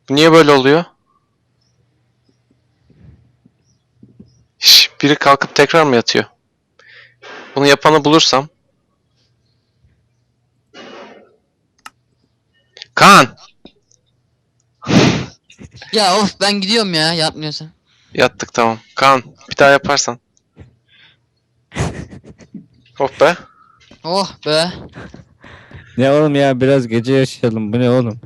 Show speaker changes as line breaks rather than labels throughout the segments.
Niye böyle oluyor? Biri kalkıp tekrar mı yatıyor? Bunu yapanı bulursam. Kaan!
Ya of ben gidiyorum ya yapmıyorsan.
Yattık tamam. Kaan bir daha yaparsan. Hop be.
Oh be.
Ne oğlum ya, biraz gece yaşayalım. Bu ne oğlum?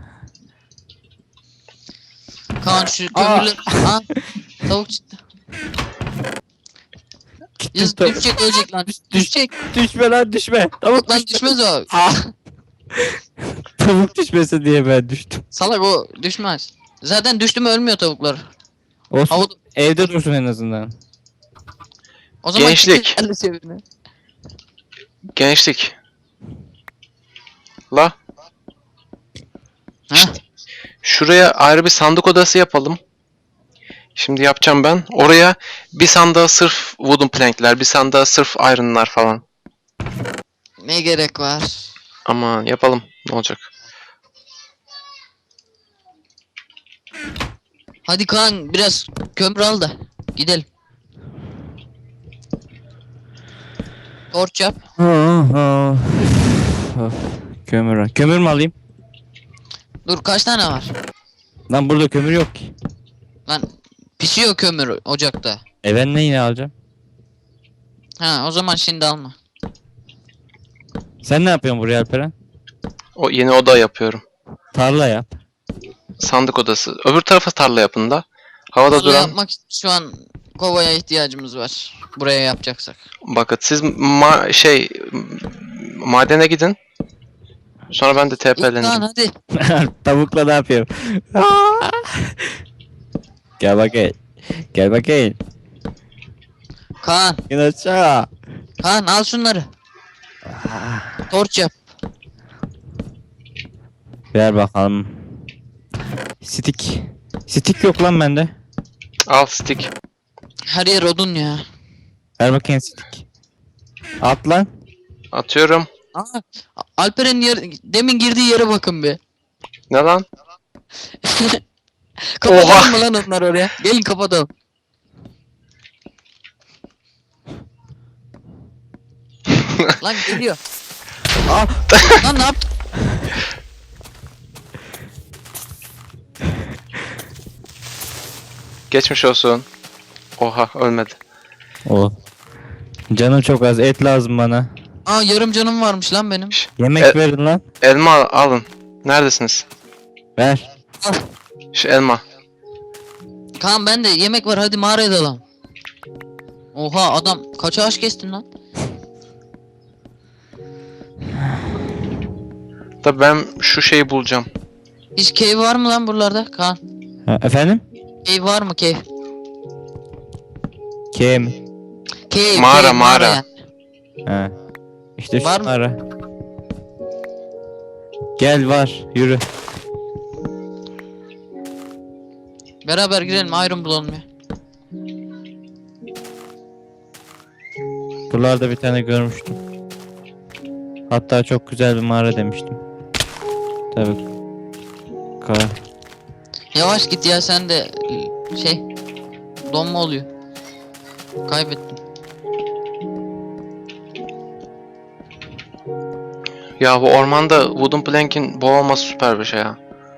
Kaan şu
Aa!
kömürleri... Aa tavuk çıktı. Yaz
Tut-
düşecek ölecek lan. Düşecek.
Düşme lan, düşme. Tavuk
Lan
düşme.
düşmez o.
Tavuk düşmesin diye ben düştüm.
Salak o düşmez. Zaten düştü mü ölmüyor tavuklar.
Olsun.
Havada...
Evde dursun en azından.
O zaman
Gençlik.
elle çevirme.
Gençlik. La.
Heh.
Şuraya ayrı bir sandık odası yapalım. Şimdi yapacağım ben. Oraya bir sandığa sırf wooden plankler, bir sandığa sırf iron'lar falan.
Ne gerek var?
Aman yapalım. Ne olacak?
Hadi Kaan biraz kömür al da gidelim. Torç yap.
Kömür. Kömür mü alayım?
Dur kaç tane var?
Lan burada kömür yok ki.
Lan pişiyor kömür ocakta.
Ben ne yine alacağım?
Ha o zaman şimdi alma.
Sen ne yapıyorsun buraya Alperen?
O yeni oda yapıyorum.
Tarla yap.
Sandık odası. Öbür tarafa tarla yapın da. Havada
Tarla
duran.
yapmak için şu an kovaya ihtiyacımız var. Buraya yapacaksak.
Bakın siz madene gidin. Sonra ben de
Kaan
TP'leneceğim.
hadi.
Tavukla ne yapıyorum? Aa! Gel bakayım. Gel bakayım.
Kaan.
İn aşağı.
Kaan al şunları. Torç yap.
Ver bakalım. Stick. Stick yok lan bende.
Al stick.
Her yer odun ya.
Ver bakayım stick. At lan.
Atıyorum.
Aa, Alper'in demin girdiği yere bakın bir.
Ne lan?
Kapatalım
Oha!
mı lan onları oraya? Gelin kapatalım. Lan geliyor. Aa, lan ne yaptın?
Geçmiş olsun. Oha ölmedi.
O. Canım çok az. Et lazım bana.
Aa yarım canım varmış lan benim.
Yemek verin lan.
Elma alın. Neredesiniz?
Ver.
Şu elma.
Kaan ben de yemek var hadi mağaraya dalalım. Oha adam kaç ağaç kestin lan?
Da ben şu şeyi bulacağım.
Hiç cave var mı lan buralarda Kaan?
Ha, efendim?
Cave var mı cave?
Kim?
Cave,
Mağara,
cave,
mağara.
yani.
Ha. İşte
Var mı?
şunlara. Gel var. Yürü.
Beraber girelim iron bulalım ya.
Buralarda bir tane görmüştüm. Hatta çok güzel bir mağara demiştim. Tabii. Ka
Yavaş git ya sen de şey donma oluyor. Kaybettim.
Ya bu ormanda wooden plank'in bol olması süper bir şey ya.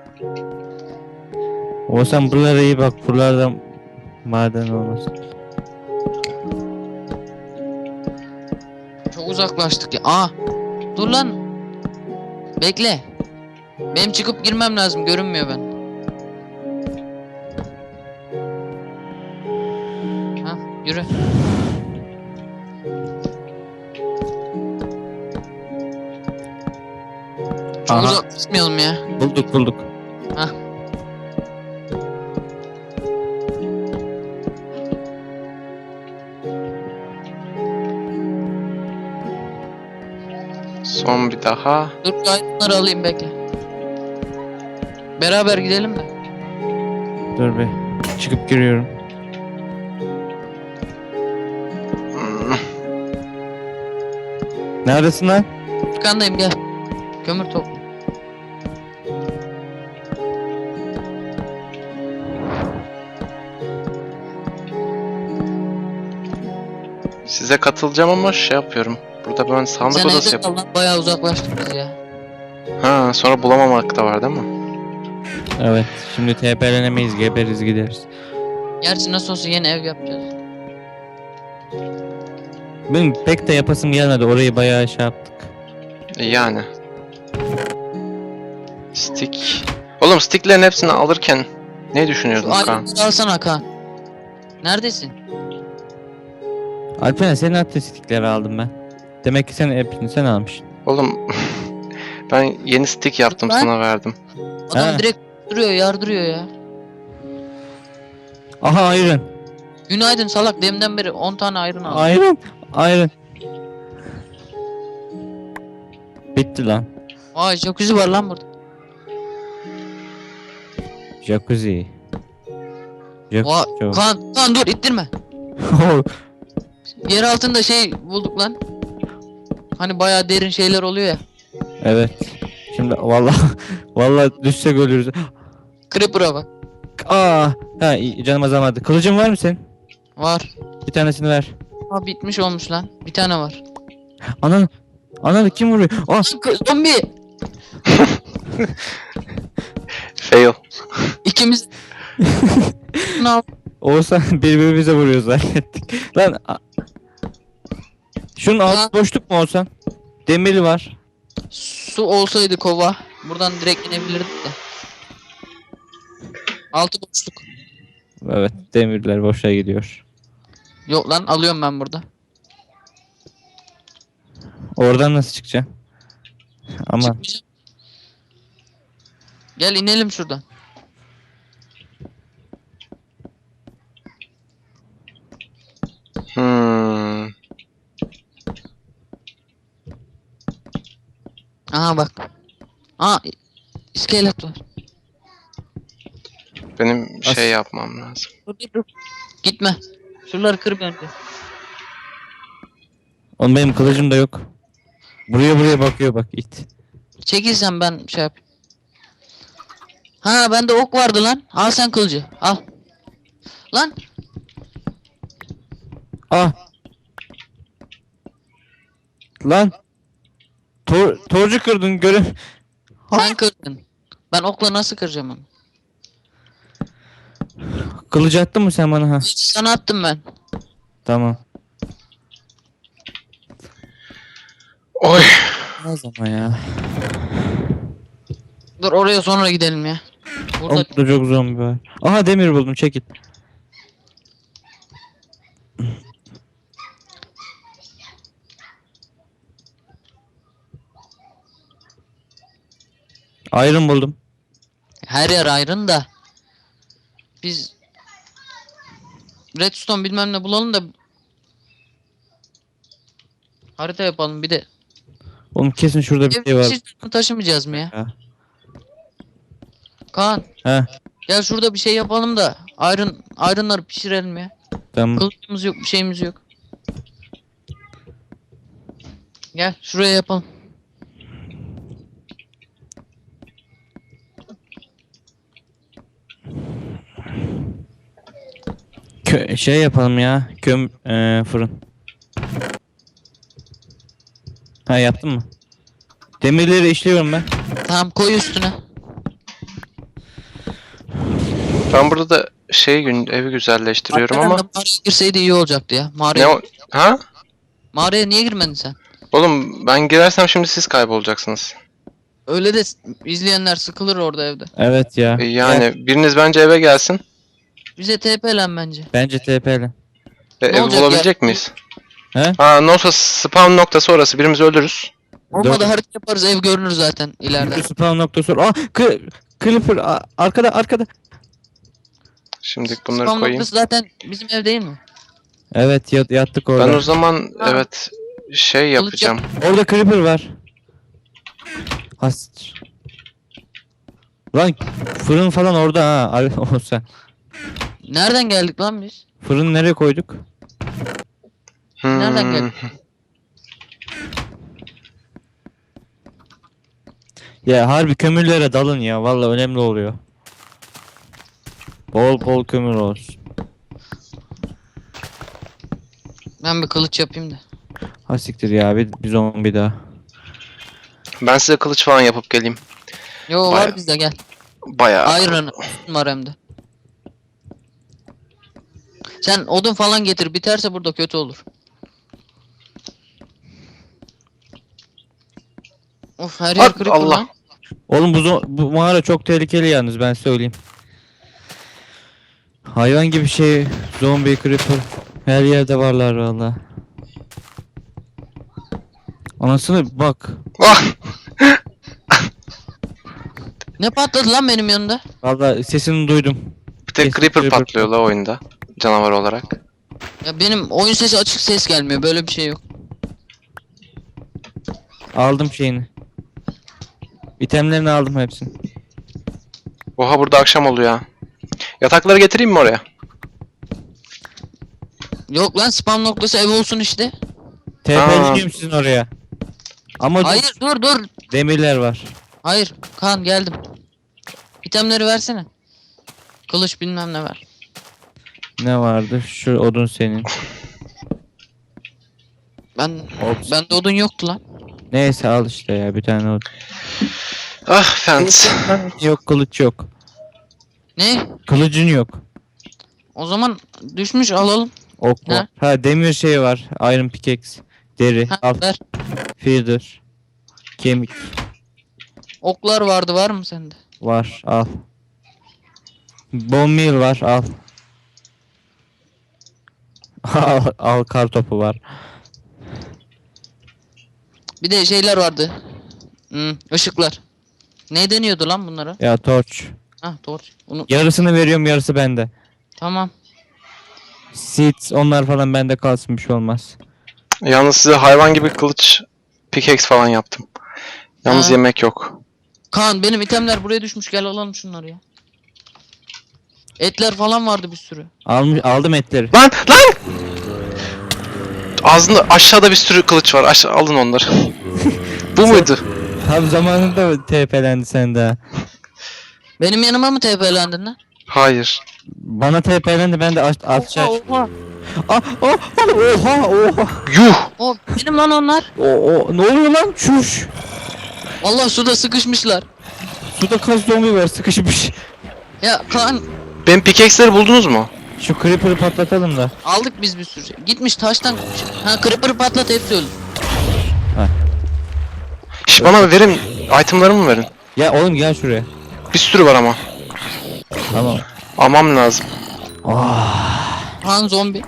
O sen buralara iyi bak. Buralarda maden olmasın.
Çok uzaklaştık ya. Aa dur lan. Bekle. Benim çıkıp girmem lazım görünmüyor ben. Ha yürü. Çok
Aha.
uzaklaşmayalım ya.
Bulduk.
Hah.
Son bir daha.
Dur bunları alayım bekle. Beraber gidelim mi?
Dur bir. Çıkıp giriyorum.
Hmm.
Neredesin lan?
Arkandayım gel. Kömür topla.
Size katılacağım ama şey yapıyorum. Burada ben sandık
Sen
odası
evde
yapıyorum.
kal lan, bayağı uzaklaştık biz ya.
Ha, sonra bulamamak da var değil mi?
Evet. Şimdi TP'lenemeyiz. Geberiz gideriz.
Gerçi nasıl olsa yeni ev yapacağız.
Benim pek de yapasım gelmedi. Orayı bayağı şey yaptık.
Yani. Stick. Oğlum sticklerin hepsini alırken ne düşünüyordun
Şu
Kaan?
ayrıntıları alsana Kaan. Neredesin?
Alperen senin attığın stickleri aldım ben. Demek ki sen hepsini sen almışsın.
Oğlum ben yeni stick yaptım
Lan.
sana verdim.
Adam
He.
direkt duruyor, yardırıyor ya.
Aha iron.
Günaydın salak, demden beri 10 tane ayrın aldım.
Iron. Iron. Bitti lan.
Vay jacuzzi var lan burada.
Jacuzzi.
Vay
Jacuzzi.
Kaan dur ittirme. Yer altında şey bulduk lan. Hani bayağı derin şeyler oluyor ya.
Evet. Şimdi vallahi düşsek ölürüz.
Creeper'a bak.
Canım azalmadı. Kılıcın var mı senin?
Var.
Bir tanesini ver.
Ha bitmiş olmuş lan. Bir tane var.
Ananı kim vuruyor?
Zombi.
Fail.
İkimiz. Ne yap-
Oğuzhan birbirimize vuruyoruz zannettik. Lan şunun
Ha.
altı boşluk mu Oğuzhan? Demiri var.
Su olsaydı kova. Buradan direkt inebilirdik de. Altı boşluk.
Evet, demirler boşa gidiyor.
Yok lan alıyorum ben burada.
Oradan nasıl çıkacaksın? Aman.
Çıkmayacağım. Gel inelim şuradan.
Hmm.
Aha bak. Aa iskelet var.
Benim
As-
şey yapmam lazım.
Dur. Gitme. Şuraları kır bir önce.
Oğlum benim kılıcım da yok. Buraya bakıyor bak it.
Çekilsen ben şey yap. Ha bende ok vardı lan. Al sen kılıcı. Al. Lan
Ah. Lan. Torcu kırdın görün.
sen kırdın. Ben okla nasıl kıracağım onu?
Kılıcı attın mı sen bana ha?
Sana attım ben.
Tamam.
Oy.
Ne zaman ya?
Dur oraya sonra gidelim ya. Burada
Oğlum burada çok zombi var. Aha demir buldum çekil. Iron buldum.
her yer ayrın da. Biz redstone bilmem ne bulalım da harita yapalım bir de.
Oğlum kesin şurada bir şey var.
Hiç taşımayacağız mı ya?
Ya.
Kaan
He
gel şurada bir şey yapalım da ayrınları pişirelim ya.
tamam.
Kılıcımız yok, bir şeyimiz yok. Gel şuraya yapalım.
Şey yapalım ya. Fırın. Ha yaptın mı? Demirleri işliyorum ben.
Tamam koy üstüne.
Ben burada da evi güzelleştiriyorum
Hakikaten
ama
de mağaraya girseydi iyi olacaktı ya.
ne o? Ha?
Mağaraya niye girmedin sen?
Oğlum ben girersem şimdi siz kaybolacaksınız.
Öyle de izleyenler sıkılır orada evde.
Evet ya.
Yani biriniz bence eve gelsin.
Bize TP'len bence.
Bence TP'li.
Ne
Evi
olacak
bulabilecek
ya?
miyiz?
He?
Nosa spawn noktası orası. Birimizi öldürürüz.
Olmadı
Dört-
harita yaparız, ev görünür zaten ileride.
Spawn noktası. Creeper arkada.
Şimdi bunları
Spam
koyayım.
noktası zaten bizim ev değil mi?
Evet yattık orada.
Ben o zaman
Ha.
evet yapacağım.
Orada Creeper var. Has. Lan fırın falan orada ha. Olsa.
Nereden geldik lan biz?
Fırını nereye koyduk?
Nereden geldik?
Ya harbi kömürlere dalın ya. Vallahi önemli oluyor. Bol kömür olsun.
Ben bir kılıç yapayım da.
Ha siktir ya, bir zombi daha.
Ben size kılıç falan yapıp geleyim.
Yo
Bayağı-
var bizde, gel.
Bayağı.
Iron var hem de. Sen odun falan getir, biterse burada kötü olur. Of, her yer
At,
creeper
Allah.
lan.
Oğlum bu mağara çok tehlikeli yalnız, ben söyleyeyim. Hayvan gibi şey, zombi, creeper her yerde varlar valla. Anasını bak.
Ah!
Ne patladı lan benim yanında?
Valla sesini duydum.
Bir tek
Kesin
creeper
creeper
patlıyor la oyunda. Canavar olarak.
Ya benim oyun sesi açık, ses gelmiyor, böyle bir şey yok.
Aldım şeyini. İtemlerini aldım hepsini.
Oha, burada akşam oluyor ya. Yatakları getireyim mi oraya?
Yok lan, spam noktası ev olsun işte.
TP'liyim sizin oraya. Ama
Hayır, dur.
demirler var.
Hayır Kaan, geldim. İtemleri versene. Kılıç bilmem ne ver.
Ne vardı? Şu odun senin.
Bende odun yoktu lan.
Neyse al işte ya, bir tane odun.
Ah fence.
Yok, kılıç yok.
Ne?
Kılıcın yok.
O zaman düşmüş, alalım.
Ok
Ne?
var. Ha, demir şey var. Iron pickaxe. Deri.
Ha,
Al.
ver.
Feather. Kemik.
Oklar vardı, var mı sende?
Var. Al. Bone meal var. Al. Al kar topu var.
Bir de şeyler vardı. Işıklar. Ne deniyordu lan bunlara?
Ya torch.
Hah, doğru. Onu
Yarısını veriyorum, yarısı bende.
tamam.
Seeds onlar falan bende kalsın, bir şey olmaz.
Yalnız size hayvan gibi kılıç pickaxe falan yaptım. Yalnız
Ha.
yemek yok.
Kaan, benim itemler buraya düşmüş, gel alalım şunları ya. Etler falan vardı bir sürü.
Aldım etleri.
Lan! Lan! Ağzında aşağıda bir sürü kılıç var. Aşağı alın onları. Bu muydu?
Tam zamanında TP'lendi sen daha.
Benim yanıma mı TP'lendin lan?
Hayır.
Bana TP'lendi, ben de aşağı.
Oha.
Oha.
Yuh!
O benim lan onlar.
Ne oluyor lan? Çüş.
Allah, suda sıkışmışlar.
Suda kaç zombi var sıkışmış.
Ya Kaan,
Benim pickaxe'leri buldunuz mu?
Şu creeper'ı patlatalım da.
aldık biz bir sürü şey. Gitmiş taştan. Ha, creeper'ı patlat, hepsi öldü.
Şş, bana verin. Itemlarımı verin.
Ya oğlum gel şuraya.
Bir sürü var ama.
Tamam.
Almam lazım.
Kaan zombi.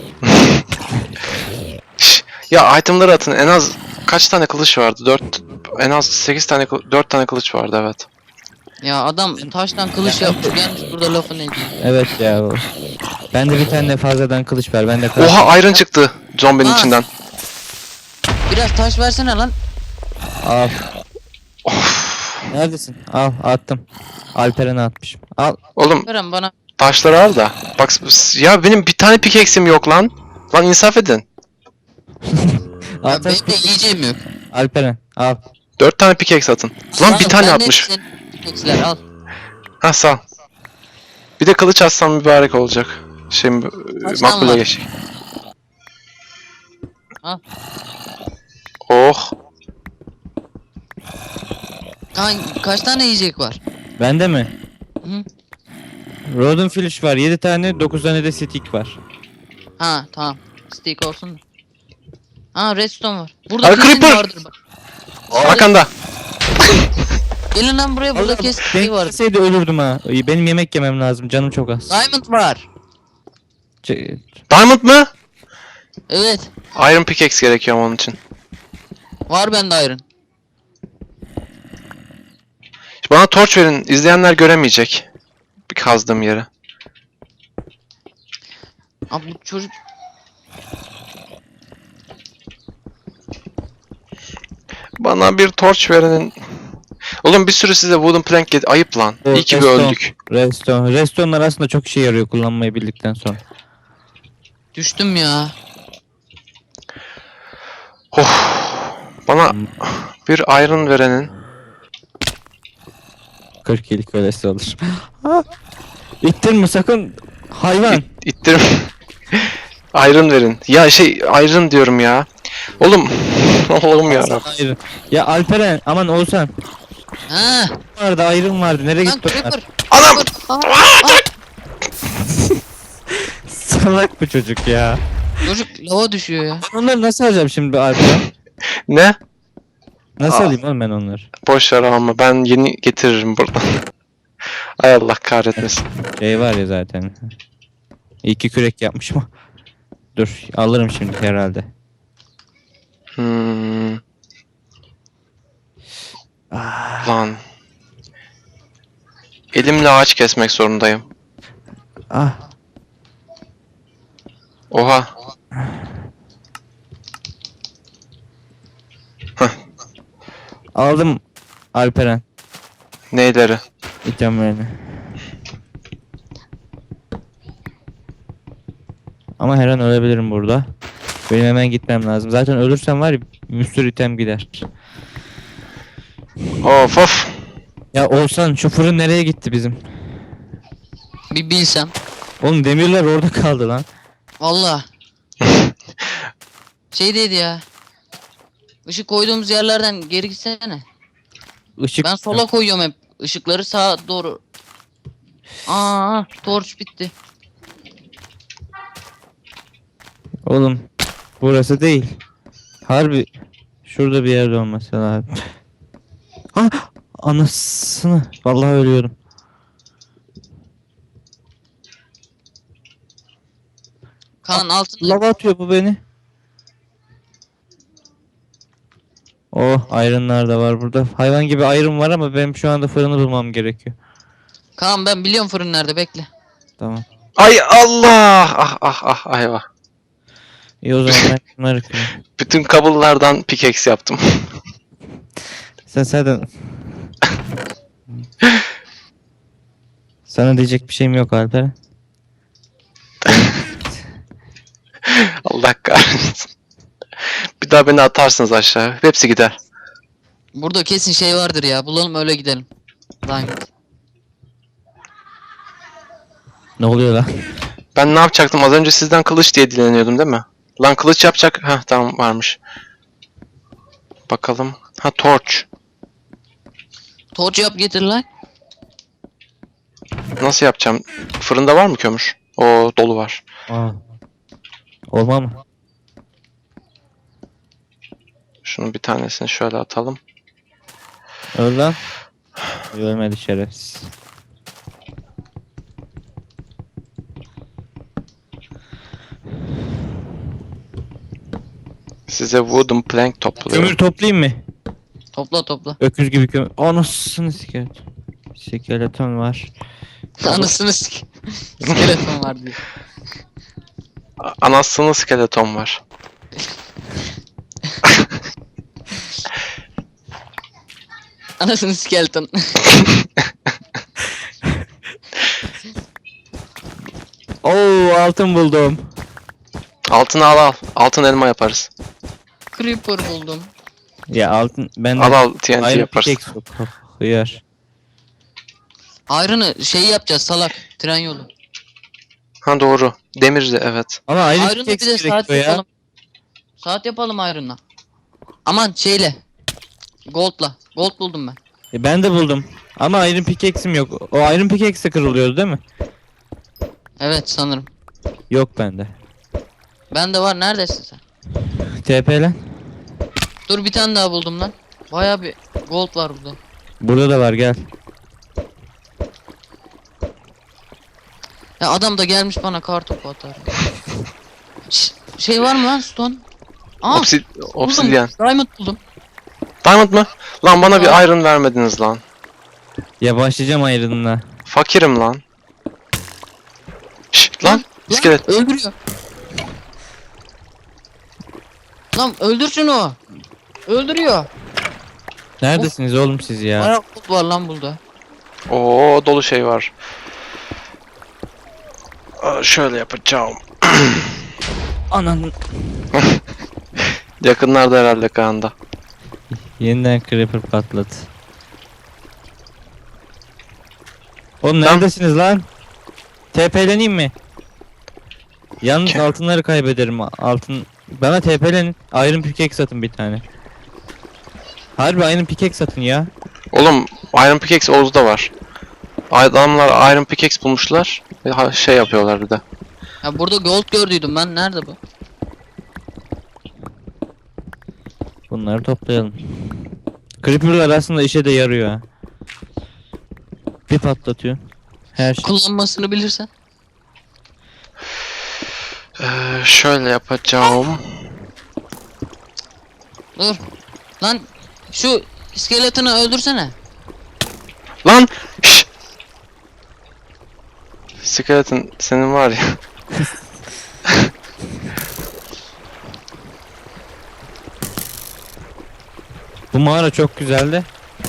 Şş, ya itemları atın. En az kaç tane kılıç vardı? 4, en az 8 tane 4 tane kılıç vardı, evet.
Ya adam taştan kılıç yapmış, gelmiş burada lafını ediyor.
Evet ya. Ben de bir tane fazladan kılıç ver. Ben de kılıç.
Oha, iron çıktı zombinin
Ha.
içinden.
Biraz taş versene lan.
Al. Neredesin? Al, attım. Alperen'e atmışım. Al.
Oğlum
Veren bana.
taşları al da. Bak ya, benim bir tane pickaxe'im yok lan. Lan insaf edin.
Ya
At,
benim de yiyeceğim yok.
Alperen al.
4 tane pickaxe atın. Lan bir
Oğlum,
tane
ben de
atmış.
senin pickaxe'ler al.
Ha, sağ ol. Bir de kılıç atsam mübarek olacak. Şimdi
Kaç tane
makbule
var?
geç.
Al.
Oh.
Kaan, kaç tane yiyecek var?
Bende mi?
Hı.
Rodent Flesh var 7 tane, 9 tane de stick var.
Ha tamam. Stick olsun da. Ha, redstone var. Burada
Ay,
kesin
creeper!
vardır bak.
Arkanda.
Gelin lan buraya, burada kesin şey vardır.
Gelseydi ölürdüm ha. Benim yemek yemem lazım, canım çok az.
Diamond var.
Diamond mı?
Evet.
Iron pickaxe gerekiyor onun için.
Var bende iron.
Bana torç verin. İzleyenler göremeyecek. Bir kazdığım yere.
Abi bu çocuk.
Bana bir torç verin. Oğlum bir sürü size wooden plank ayıp lan.
O
İyi ki bir
redstone.
öldük.
Redstone'lar aslında çok işe yarıyor kullanmayı bildikten sonra.
Düştüm ya.
Oh. Bana bir iron verenin.
40 iyilik öylesi olur. İttirme sakın hayvan.
İttirim. Iron verin. Ya şey iron diyorum ya. Oğlum. Allah'ım ya.
Hayır. Ya Alperen aman Oğuzhan.
Ha,
Vardı ayrım vardı. Nereye
lan
gitti onlar?
creeper.
Anam!
Creeper.
Salak bu çocuk ya.
Çocuk lava düşüyor ya.
Ben onları nasıl alacağım şimdi Alperen?
Ne?
Nasıl
Aa.
alayım oğlum ben onları?
Boş ver ama ben yeni getiririm buradan. Ay Allah kahretmesin.
Şey var ya zaten. İki kürek yapmışım. Dur alırım şimdi herhalde.
Hmm. Lan. Elimle ağaç kesmek zorundayım.
Ah.
Oha.
Aldım Alperen.
Neyleri?
İtemlerini. Ama her an ölebilirim burada. Benim hemen gitmem lazım. Zaten ölürsem var ya bir sürü item gider.
Of of.
Ya Oğuzhan şu fırın nereye gitti bizim?
Bir bilsem.
Oğlum demirler orada kaldı lan.
Valla. Şeydeydi ya. Işık koyduğumuz yerlerden geri gitsene.
Işık.
Ben sola koyuyorum hep. Işıkları sağa doğru. Aa, torç bitti.
Oğlum burası değil. Harbi şurada bir yerde olması lazım. Ah anasını. Vallahi ölüyorum.
Kaan altında.
Lava atıyor bu beni. Oh ayrınlar da var burada. Hayvan gibi ayrım var ama benim şu anda fırını bulmam gerekiyor.
Kaan ben biliyorum fırın nerede, bekle.
Tamam.
Ay Allah! Ah ah ah ayva.
İyi o zaman ben bunları kırayım.
Bütün kabullardan pickaxe yaptım.
Sen zaten... Sana diyecek bir şeyim yok Alper.
Allah kahretsin. Bir daha beni atarsınız aşağı. Hepsi gider.
Burada kesin şey vardır ya. Bulalım öyle gidelim. Diamond.
Ne oluyor lan?
Ben ne yapacaktım? Az önce sizden kılıç diye dileniyordum değil mi? Lan kılıç yapacak. Heh tamam varmış. Bakalım. Ha torch.
Torç yap getir lan.
Nasıl yapacağım? Fırında var mı kömür? O dolu var.
Aa. Olma mı?
Şunun bir tanesini şöyle atalım.
Öl lan. Ölmedi şerefsiz.
Size wooden plank topluyorum.
Kömür toplayayım mı?
Topla topla.
Öküz gibi kömür. Anasını skeleton. Skeleton var.
Anasını skeleton var diyor.
Anasını skeleton var.
Anasını skeleton.
Oo altın buldum.
Altını al al. Altın elma yaparız.
Creeper buldum.
Ya altın ben
Al al TNT
Iron
yaparız.
pickaxe yok. Hıyar.
Iron'ı şey yapacağız salak. Tren yolu.
Ha doğru. Demir de evet.
Ama Iron
Iron'ı bir
pickaxe
de saat
gerekiyor ya.
yapalım. Saat yapalım Iron'la. Aman şeyle. Gold'la. Gold buldum ben.
Ben de buldum. Ama Iron pickaxe'im yok. O Iron pickaxe de kırılıyordu değil mi?
Evet sanırım.
Yok bende.
Bende var, neredesin sen?
TP lan.
Dur bir tane daha buldum lan. Baya bir gold var burada.
Burada da var gel.
Ya adam da gelmiş bana kartopu atar. Şey var mı lan stone? Aa
Obsidian.
Diamond buldum.
Diamond mı? Lan bana
Aa.
bir iron vermediniz lan.
Ya başlayacağım Iron'la.
Fakirim lan. Şşt lan. İskelet.
Öldürüyor. Lan öldür şunu. Öldürüyor.
Neredesiniz oğlum siz ya?
Bayağı gold var lan burada.
Oo dolu şey var. Şöyle yapacağım.
Anan.
Yakınlarda herhalde Kaan'da.
Yeniden creeper patladı. Oğlum
Lan.
neredesiniz lan? TP'leneyim mi? Yalnız
Ke-
altınları kaybederim. Altın bana TP'lenin. Iron pickaxe satın bir tane. Harbi Iron pickaxe satın ya.
Oğlum Iron Pickaxe Oğuz'da var. Adamlar Iron Pickaxe bulmuşlar. Ve şey yapıyorlar bir de.
Ya burada gold gördüydüm ben. Nerede bu?
Bunları toplayalım. Creeper'lar aslında işe de yarıyor ha. Bir patlatıyor. Her şey.
Kullanmasını bilirsen.
Şöyle yapacağım.
Dur. Lan şu iskeletini öldürsene.
Lan! Şşş! Skeleton senin var ya.
Bu mağara çok güzeldi.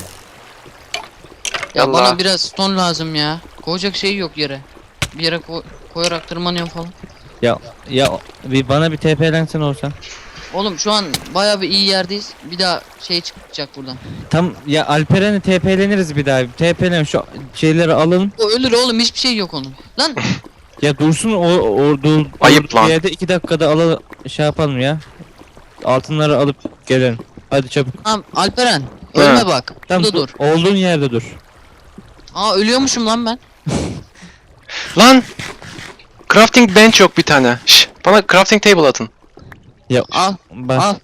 Ya
Allah.
bana biraz stone lazım ya. Koyacak şey yok yere. Bir yere koyarak tırmanıyorum falan.
Ya bir bana bir TP'lensen olsan.
Oğlum şu an baya bir iyi yerdeyiz. Bir daha şey çıkacak buradan.
Tam ya Alperen'e TP'leniriz bir daha. TP'len şu şeyleri alalım.
O ölür oğlum, hiçbir şey yok onun. Lan
Ya dursun
Ayıp lan.
yerde 2 dakikada alalım şey yapalım ya. Altınları alıp gelelim. Hadi çabuk.
tamam Alperen
He.
ölme bak.
Tamam
Burada dur.
Olduğun yerde dur.
Aa ölüyormuşum lan ben.
Lan! Crafting bench yok bir tane. Şş, bana crafting table atın.
Ya
Al
bak.
al.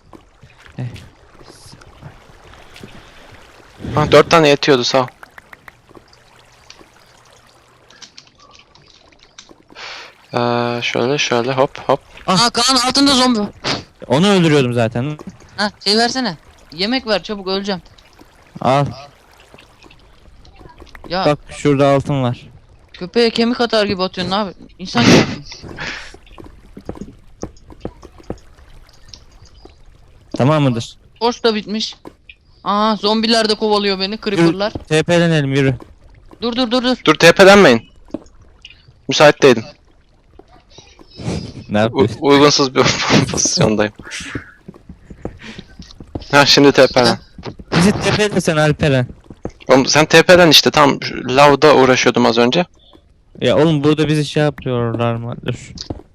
Ha, 4 tane yetiyordu sağ ol. Şöyle hop hop.
Aa Kaan altında zombi var.
Onu öldürüyordum zaten.
Ha şey versene. Yemek ver çabuk, öleceğim.
Al.
Ya
Bak şurada altın var.
köpeğe kemik atar gibi atıyorsun abi. İnsan gibi.
Tamam mıdır?
Torç da bitmiş. Aa zombiler de kovalıyor beni, creeper'lar.
TP'lenelim yürü.
Dur dur dur dur.
Dur TP'lenmeyin. Müsait değilim.
Ne yapıyorsun?
Uygunsuz bir pozisyondayım. Ha şimdi TP'len.
Bizi TP'lesen Alperen.
Oğlum sen TP'len işte tam lavda uğraşıyordum az önce.
Ya oğlum burada bizi şey yapıyorlar mı? Dur.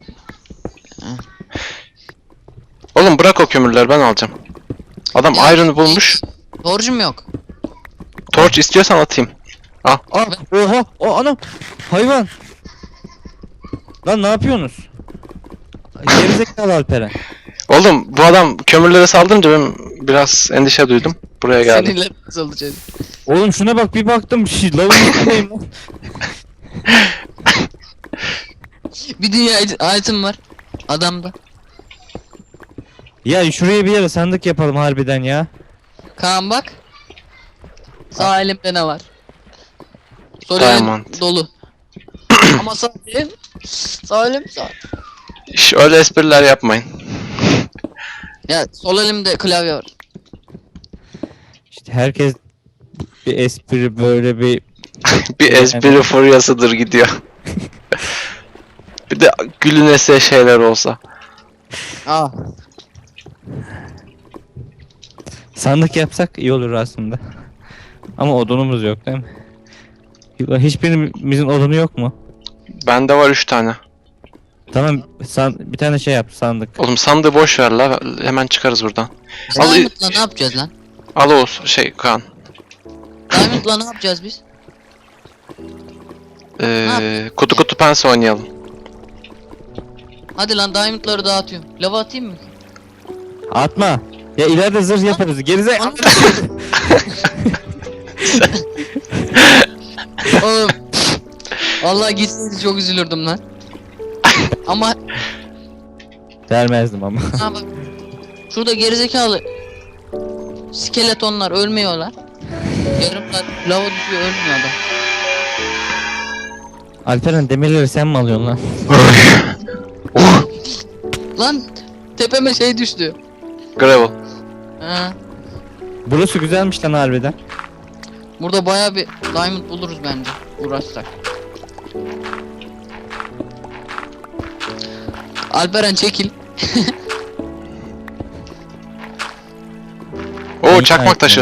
Oğlum bırak o kömürleri, ben alacağım. Adam
Ya,
iron bulmuş.
Torcum yok.
Torch istiyorsan atayım.
Aa, oha, o anam. Hayvan. Lan ne yapıyorsunuz? Gerizekalı Alperen.
Oğlum bu adam kömürlere saldırınca ben biraz endişe duydum. Buraya geldim.
Seninle nasıl olacak?
Oğlum şuna bak bir baktım lavın üstündeyim lan.
Bir dünya item var. Adamda.
Ya şuraya bir yere sandık yapalım harbiden ya.
Kaan bak. Sağ elimde ne var? Sol
Diamond.
elim dolu. Ama sağ elim. Sağ elim sağ.
Öyle espriler yapmayın.
Ya sol elimde klavye var.
İşte herkes bir espri böyle bir
Bir espri furyasıdır gidiyor. Bir de gülünese şeyler olsa.
Aa.
sandık yapsak iyi olur aslında. Ama odunumuz yok değil mi? Hiçbirimizin odunu yok mu?
Bende var 3 tane.
Tamam bir tane şey yap sandık.
Oğlum sandığı boş ver la. Hemen çıkarız buradan. Al-
Diamond'la ne yapacağız lan?
Al Oğuz Kaan.
Diamond'la ne yapacağız biz?
Kutu kutu pense oynayalım.
Hadi lan Diamond'ları dağıtıyorum. Lava atayım mı?
Atma. Ya ileride zırh yaparız. Gerizekalı.
Oğlum. Vallahi gitseydi çok üzülürdüm lan. Ama
Vermezdim ama.
ha bak. Şurada gerizekalı skeletonlar ölmüyorlar. Yarım saat lava düşüyor, ölmüyor adam.
Alperen demirleri sen mi alıyorsun lan?
Lan tepeme şey düştü.
Gravel.
Ha.
Burası güzelmiş lan harbiden.
Burada baya bir diamond buluruz bence uğraşsak. Alperen çekil.
Oo çakmak taşı.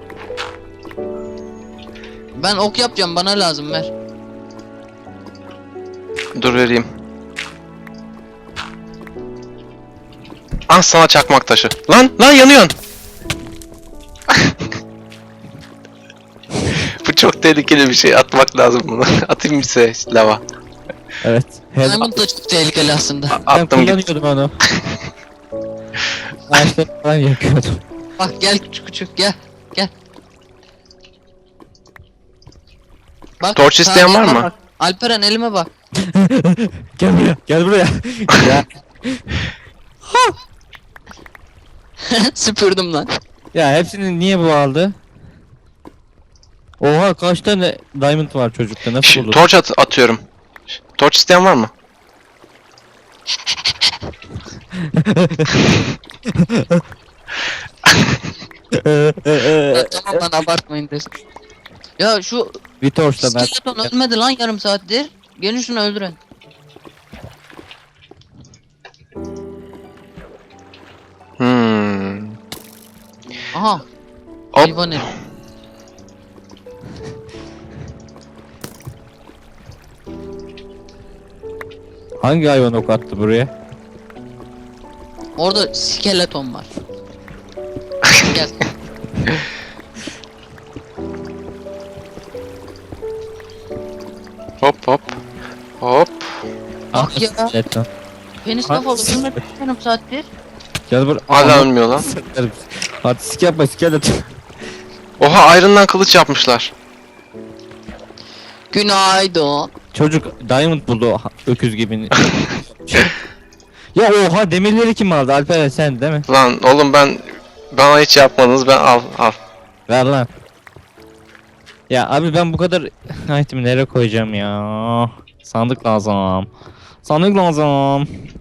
Ben ok yapacağım, bana lazım, ver.
Dur vereyim. Ah sana çakmak taşı. Lan yanıyorsun. Bu çok tehlikeli bir şey. Atmak lazım bunu. Atayım bir size lava.
Evet.
Diamond da çok tehlikeli aslında.
Ben
Attım git.
kullanıyordum onu. Ağaçları falan yakıyordum.
Bak gel küçük gel. Gel. Bak,
Torç isteyen
sağ
var
elime
mı?
bak. Alperen elime bak.
Gel buraya. Gel buraya. ya,
Süpürdüm lan.
ya hepsini niye bu aldı? Oha kaç tane diamond var çocukta nasıl olur?
Torç atıyorum. Torç isteyen var mı?
Ya, tamam lan abartmayın desin. Ya şu
Bir torçla ben.
skeleton ölmedi lan yarım saattir. Gelin şunu öldürün. Aha.
Hop.
Hayvan herif.
Hangi hayvan ok attı buraya?
Orada skeleton var. Gel.
Hop hop. Hop.
Bak ya.
Skeleton.
Penis kafalı ölmedi yarım saattir.
Gel buraya.
Hala ölmüyor lan.
Artistik yapma skeleton.
Oha iron'dan kılıç yapmışlar.
Günaydın.
Çocuk diamond buldu öküz gibi. Ya oha demirleri kim aldı? Alper sen değil mi?
Lan oğlum bana hiç yapmadınız, ben al.
Ver lan. Ya abi ben bu kadar item'i nereye koyacağım ya? Sandık lazım. Sandık lazım.